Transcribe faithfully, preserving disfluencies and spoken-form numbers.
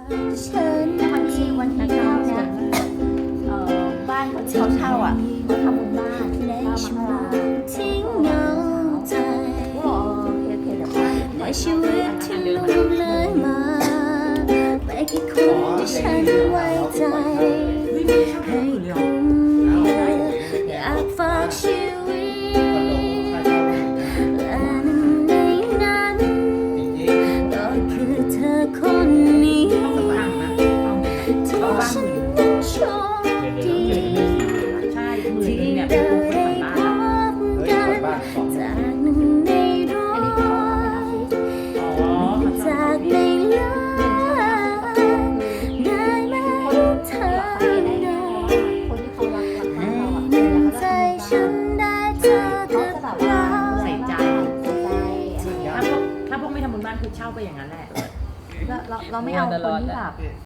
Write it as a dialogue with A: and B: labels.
A: ฉันวันที่วันที่เก้าเนี่ยเอ่อบ้านคนเขาเช่าอ่ะเขาทำบุญบ้านในชั่วโมงทิ้งเงาใจโอเคโอเคเดี๋ยวไปในชีวิตที่ลุ่มเลยมาไม่กี่คนที่ฉันไว้ใจให้คุณอยากฝากชีวิตและหนึ่งในนั้นก็คือเธอคนนี้ที่ฉันนั้นโชคดีที่ได้พบกันจากหนึ่งในร้อยจากในล้านได้มาเห็นเธอให้หนึ่งใจฉันได้เจอกับเรา
B: ใส่ใจ
A: ใส่ใจ
B: ถ้าพวกถ้าพวกไม่ทำบุญบ้านคือเช่าไปอย่างนั้นแหละ
A: เราเราเราไม่เอาคนที่แบบ